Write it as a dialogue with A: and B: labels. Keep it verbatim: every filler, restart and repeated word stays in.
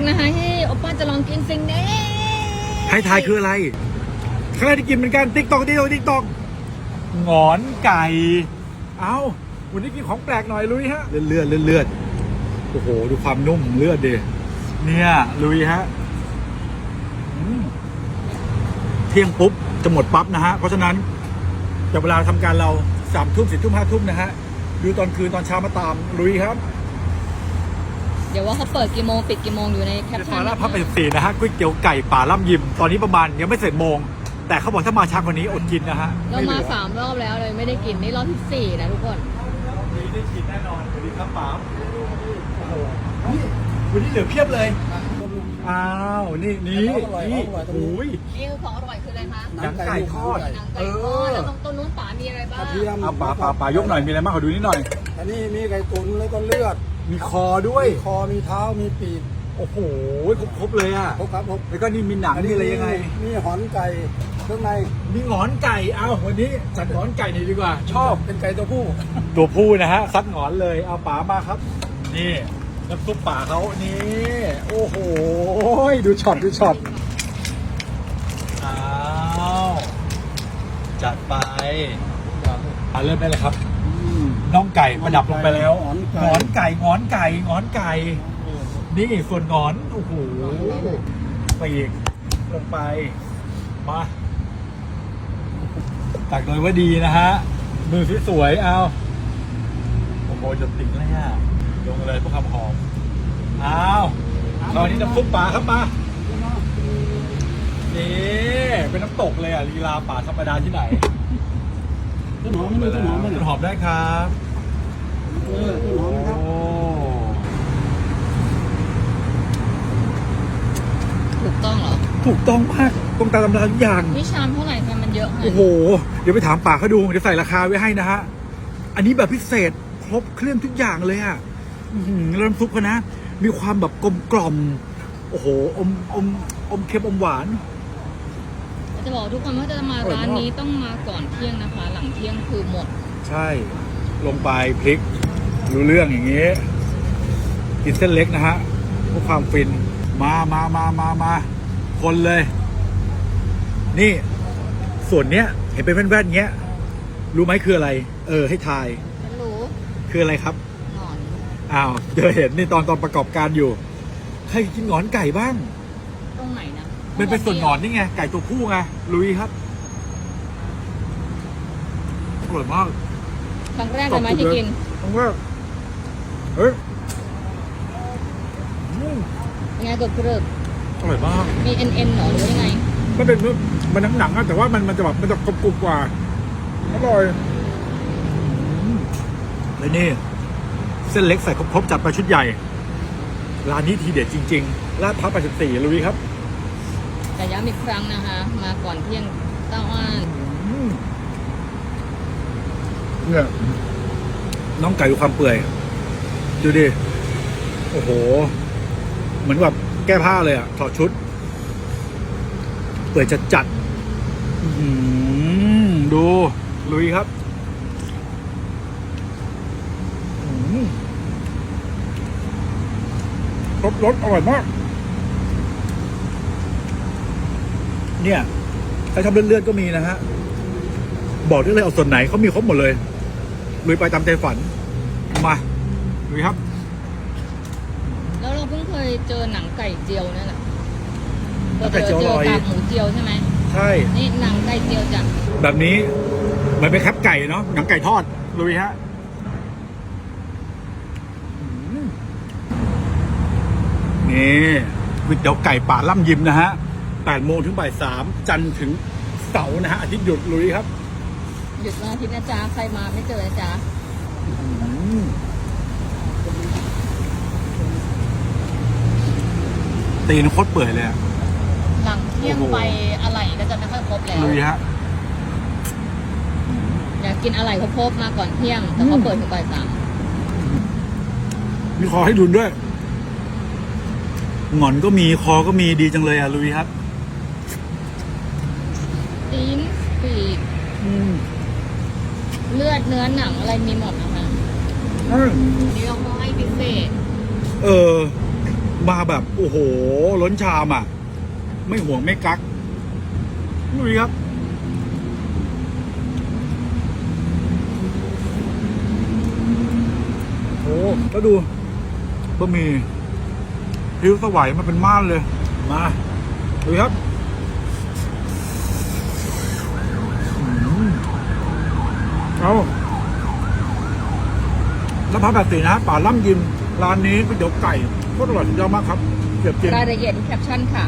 A: นะคะที่โอป้าจะลองกินสิ่งนี้
B: ให้ทายคืออะไรครั้งแรกที่กินเหมือนกันติ๊กตอกติ๊กตอกติ๊กตอกหงอนไก่เอ้าวันนี้กินของแปลกหน่อยลุยฮะเลือดเลือดเลือดโอ้โหดูความนุ่มเลือดดิเนี่ยลุยฮะเที่ยงปุ๊บจะหมดปั๊บนะฮะเพราะฉะนั้นจากเวลาทำการเราสามทุ่มสี่ทุ่มห้าทุ่มนะฮะดูตอนคืนตอนเช้ามาตามลุยครับ
A: เดี๋ยวว่าเขาเปิดกี่โมงปิดกี่โมงอยู่ในแคปชั่น
B: ฟ้าล่าพับไปสิบสี่นะฮะก๋วยเตี๋ยวไก่ป่าล่ำยิมตอนนี้ประมาณยังไม่เสร็จโมงแต่เขาบอกถ้ามาช้ากว่านี้อดกินนะฮะ
A: เรามาสามรอบแล้วเลยไม่ได้กินนี่รอบที่สี่นะทุกคน
B: วันนี้ได้กินแน่นอนสวัสดีครับป๋าโอ้โหวันนี้เหลือเพียบเลยอ้าวนี่นี่นี่โอ้ย
A: นี่คือของอร่อยคืออะไรคะ
B: หนังไก่ทอด
A: หนังไก่ทอดแล้วตรงต้นนู้นป๋ามีอะไรบ้าง
B: เอาป๋าป๋าป๋ายกหน่อยมีอะไรบ้างขอดูนิดหน่อย
C: อันนี้มีไก่ตุ๋นแล้วก็เลือด
B: มีคอด้วย
C: คอมีเท้ามีปีก
B: โอ้โหครบเลยอ่ะ
C: ครบครับครบ
B: แล้วก็นี่มีหนังนี่อะไรยังไง
C: มีหอนไก่เครื่องใน
B: มีหงอนไก่เอาวันนี้จัดหงอนไก่หน่อยดีกว่าชอบ
C: เป็นไก่ตัวผู้
B: ตัวผู้นะฮะซัดหงอนเลยเอาป๋ามาครับนี่น้ำซุปป่าเขานี่โอ้โหดูช็อตดูช็อตอ้าวจัดไปอ่าเริ่มได้เลยครับน่องไก่ประดับลงไปแล้วหงอนไก่หงอนไก่หงอนไก่นี่ส่วนหงอนโอ้โหปีกลงไปมาตักโดยว่าดีนะฮะมือสวยๆเอาโอ้โหจะติ่งเลยฮะลงเลยเพื่อความหอมอ้าวตอนนี้น้ำซุปปลาครับมานี่เป็นน้ำตกเลยอ่ะลีลาป่าธรรมดาที่ไหน
C: ต้นหอมไม่ต้นหอมไม่
B: ต้นหอมได้ครับ
C: เออต้นหอมครับ
A: ถูกต้องเหรอ
B: ถูกต้องมากตรงตามตำราทุกอย่าง
A: นี่ชามเท่าไหร่กันมันเยอะ
B: โอ้โหเดี๋ยวไปถามป่าเขาดูเดี๋ยวใส่ราคาไว้ให้นะฮะอันนี้แบบพิเศษครบเครื่องทุกอย่างเลยอ่ะแล้วน้ำซุปเขานะมีความแบบกลมกล่อมโอ้โหอมอมอมเค็มอมหวาน
A: จะบอกทุกคนว่าจะมาร้านนี้ต้องมาก่อนเที่ยงนะคะหลังเที่ยงคือหมด
B: ใช่ลงไปพริกรู้เรื่องอย่างนี้กินเส้นเล็กนะฮะเพื่อความฟินมามามามามาคนเลยนี่ส่วนเนี้ยเห็นเป็นแว่นๆเงี้ยรู้ไหมคืออะไรเออให้ทาย
A: ฉันรู้
B: คืออะไรครับ
A: หงอน
B: อ้าวเจอเห็นนี่ตอนตอนประกอบการอยู่ใครกินหงอนไก่บ้าง
A: ตรงไหนนะ
B: มันเป็นส่วนหงอนนี่ไงไก่ตัวผู้ไงลุยครับอร่อยมาก
A: ครั้งแรกเลยไหมที่กิน
B: ครั้งแรกเฮ้ย
A: ยังไงกรึบกรึบ
B: อร่อยมาก
A: มีเอ็นเอ็นหรอหรือยังไง
B: มันเป็นมันหนังหนังแต่ว่ามันมันจะแบบมันจะกรุบกรุบกว่าอร่อยแล้วนี่เส้นเล็กใส่ครบๆจัดไปชุดใหญ่ร้านนี้ทีเด็ดจริงๆลาดพร้าวแปดสิบสี่ลุยครับ
A: แต่ย้ำอีกครั้งนะคะมาก่อนเที่ยงเต้าอ้าน
B: เนี่ยน้องไก่ดูความเปื่อยดูดิโอ้โหเหมือนแบบแก้ผ้าเลยอ่ะถอดชุดเปื่อยจัดจัดดูลุยครับรสรสอร่อยมากเนี่ยใครทำเลือดๆก็มีนะฮะบอกได้เลยเอาส่วนไหนเขามีครบหมดเลยลุยไปตามใจฝันมาลุยครับ
A: แล้วเราเพิ่งเคยเจอหนังไก่เจียวนั่นแหละ
B: เราเจอเจอก
A: ากหมูเจียวใช่ไหม
B: ใช่
A: นี่หนังไก่เจียวจ้ะ
B: แบบนี้มันเป็นแคปไก่เนาะหนังไก่ทอดลุยฮะนี่ก๋วยเตี๋ยวไก่ป่าล่ำยิมนะฮะแปดโมงถึงบ่ายสามจันทร์ถึงเสาร์นะฮะอาทิตย์หยุดลุยครับ
A: หยุดวันอาทิตย์นะจ๊ะใครมาไม่เจอนะจ๊ะ
B: ตีนโคตรเปื่อยเลย
A: หลังเที่ยงไปอะไรก็จะไม่ค่อยครบแล้ว
B: ลุยฮะ
A: อยากกินอะไรครบๆมาก่อนเที่ยงแต่เขาเปิดถึงบ่ายสาม
B: มีคอให้ดุนด้วยหงอนก็มีคอก็มีดีจังเลยอ่ะลุยครับ
A: ตีนปีกเลือดเนื้อหนังอะไรมีหมดนะคะนี่เราให้พิเศษ
B: เออมาแบบโอ้โหล้นชามอ่ะ ไม่ห่วงไม่กักดูดิครับโอ้แล้วดูบะหมี่ผิวสวายมาเป็นม่านเลยมาดูครับอืมเอาแล้วพับแบบสีนะป่าล่ำยิมร้านนี้ก๋วยเตี๋ยวไก่โคตรอร่อยสุดยอดมากครับเก็บจริง
A: รายละเอียดที่แคปชั่นค่ะ